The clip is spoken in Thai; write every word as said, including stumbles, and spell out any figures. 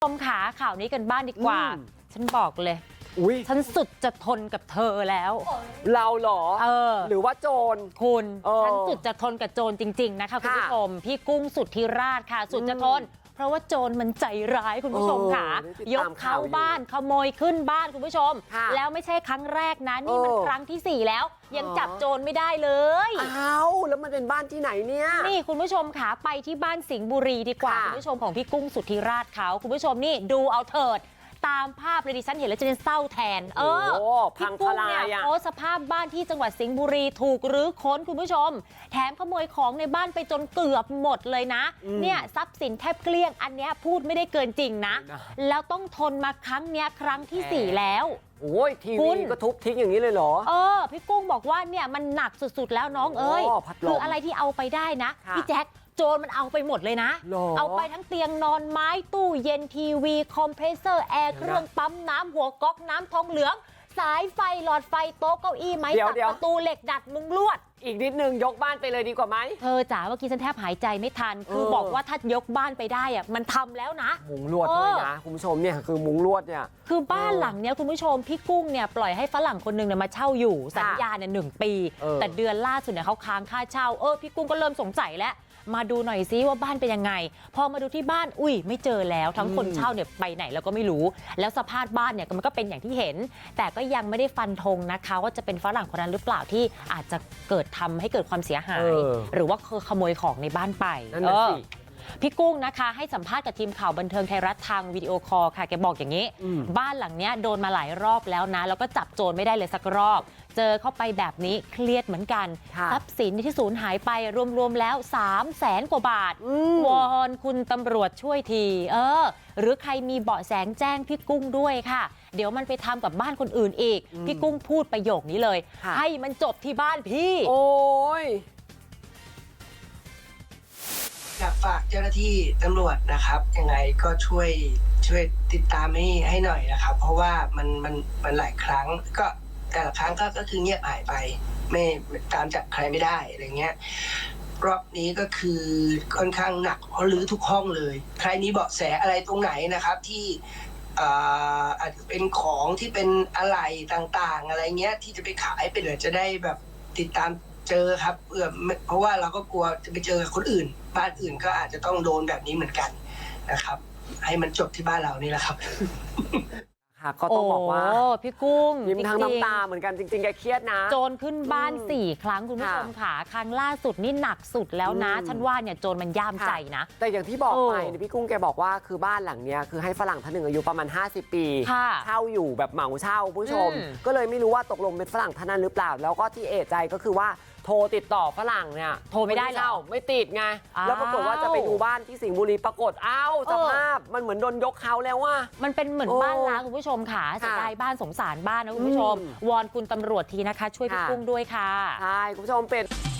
ชมขาข่าวนี้กันบ้างดีกว่าฉันบอกเลยอุ้ยฉันสุดจะทนกับเธอแล้วเราเหรอเออหรือว่าโจรคุณฉันสุดจะทนกับโจรจริงๆนะคะคุณผู้ชมพี่กุ้งสุทธิราชค่ะสุดจะทนเพราะว่าโจรมันใจร้ายคุณผู้ชมค่ะยกเข้าบ้านขโมยขึ้นบ้านคุณผู้ชมแล้วไม่ใช่ครั้งแรกนะนี่มันครั้งที่สี่แล้วยังจับโจรไม่ได้เลยอ้าวแล้วมันเป็นบ้านที่ไหนเนี่ยนี่คุณผู้ชมค่ะไปที่บ้านสิงห์บุรีดีกว่าคุณผู้ชมของพี่กุ้งสุทธิราชเขาคุณผู้ชมนี่ดูเอาเถิดตามภาพเลยดิฉันเห็นแล้วจะเป็นเศร้าแทนเออพี่กุ้งเนี่ยโพสสภาพบ้านที่จังหวัดสิงห์บุรีถูกรื้อค้นคุณผู้ชมแถมขโมยของในบ้านไปจนเกือบหมดเลยนะเนี่ยทรัพย์สินแทบเกลี้ยงอันเนี้ยพูดไม่ได้เกินจริงนะแล้วต้องทนมาครั้งเนี้ยครั้งที่สี่แล้วโอ้ยทีวีก็ทุบทิ้งอย่างนี้เลยเหรอเออพี่กุ้งบอกว่าเนี่ยมันหนักสุดๆแล้วน้องเอ้ยคืออะไรที่เอาไปได้นะพี่แจ๊คโจรมันเอาไปหมดเลยนะเอาไปทั้งเตียงนอนไม้ตู้เย็นทีวีคอมเพรสเซอร์แอร์เครื่องปั๊มน้ำหัวก๊อกน้ำทองเหลืองสายไฟหลอดไฟโต๊ะเก้าอี้ไม้สักประตูเหล็กดัดมุงลวดอีกนิดนึงยกบ้านไปเลยดีกว่าไหมเธอจ๋าเมื่อกี้ฉันแทบหายใจไม่ทันคือบอกว่าถ้ายกบ้านไปได้อะมันทำแล้วนะมุงลวดด้วยนะคุณผู้ชมเนี่ยคือมุงลวดเนี่ยคือบ้านหลังเนี้ยคุณผู้ชมพี่กุ้งเนี่ยปล่อยให้ฝรั่งคนนึงเนี่ยมาเช่าอยู่สัญญาเนี่ยหนึ่งปีแต่เดือนล่าสุดเนี่ยเขาค้างค่าเช่าเออพี่กุ้งก็เริ่มสงสัยแล้วมาดูหน่อยซิว่าบ้านเป็นยังไงพอมาดูที่บ้านอุ้ยไม่เจอแล้วทั้งคนเช่าเนี่ยไปไหนแล้วก็ไม่รู้แล้วสภาพบ้านเนี่ยมันก็เป็นอย่างที่เห็นแต่ก็ยังไม่ได้ฟันธงนะคะว่าจะเป็นฝรั่งคนนั้นหรือเปล่าที่อาจจะเกิดทำให้เกิดความเสียหายหรือว่าขโมยของในบ้านไปนั่นน่ะสิพี่กุ้งนะคะให้สัมภาษณ์กับทีมข่าวบันเทิงไทยรัฐทางวิดีโอคอลค่ะแกบอกอย่างนี้บ้านหลังเนี้ยโดนมาหลายรอบแล้วนะแล้วก็จับโจรไม่ได้เลยสักรอบเจอเข้าไปแบบนี้เครียดเหมือนกันทรัพย์สินที่สูญหายไปรวมๆแล้วสามแสนกว่าบาทวอนคุณตำรวจช่วยทีเออหรือใครมีเบาะแสแจ้งพี่กุ้งด้วยค่ะเดี๋ยวมันไปทำกับบ้านคนอื่นอีกพี่กุ้งพูดประโยคนี้เลยให้มันจบที่บ้านพี่โอ้ยอยากฝากเจ้าหน้าที่ตำรวจนะครับยังไงก็ช่วยช่วยติดตามให้ให้หน่อยนะครับเพราะว่ามันมันมันหลายครั้งก็แต่ละครั้งก็ก็คือเงียบหายไปไม่ตามจับใครไม่ได้อะไรเงี้ยรอบนี้ก็คือค่อนข้างหนักเพราะรื้อทุกห้องเลยใครมีเบาะแสอะไรตรงไหนนะครับที่อาจจะเป็นของที่เป็นอะไรต่างๆอะไรเงี้ยที่จะไปขายไปเลยจะได้แบบติดตามเจอครับเพื่อเพราะว่าเราก็กลัวจะไปเจอกับคนอื่นบ้านอื่นก็อาจจะต้องโดนแบบนี้เหมือนกันนะครับให้มันจบที่บ้านเรานี่แหละครับค่ะก็ต้องบอกว่าพี่กุ้งยิ้มทั้งน้ำตาเหมือนกันจริงๆแกเครียดนะโจรขึ้นบ้านสี่ครั้งคุณผู้ชมค่ะครั้งล่าสุดนี่หนักสุดแล้วนะฉันว่าเนี่ยโจรมันย่ามใจนะแต่อย่างที่บอกไปพี่กุ้งแกบอกว่าคือบ้านหลังเนี้ยคือให้ฝรั่งท่านหนึ่งอายุประมาณห้าสิบปีเช่าอยู่แบบเหมาเช่าผู้ชมก็เลยไม่รู้ว่าตกลงเป็นฝรั่งท่านนั้นหรือเปล่าแล้วก็ที่เอะใจก็คือว่าโทรติดต่อฝรั่งเนี่ยโทรไม่ได้แล้วไม่ติดไงแล้วปรากฏว่าจะไปดูบ้านที่สิงห์บุรีปรากฏอ้าวสภาพมันเหมือนโดนยกเขาแล้วว่ามันเป็นเหมือนบ้านล้างคุณผู้ชมค่ะเสียดายบ้านสงสารบ้านนะคุณผู้ชมวอนคุณตำรวจทีนะคะช่วยพี่กุ้งด้วยค่ะใช่คุณผู้ชมเป็น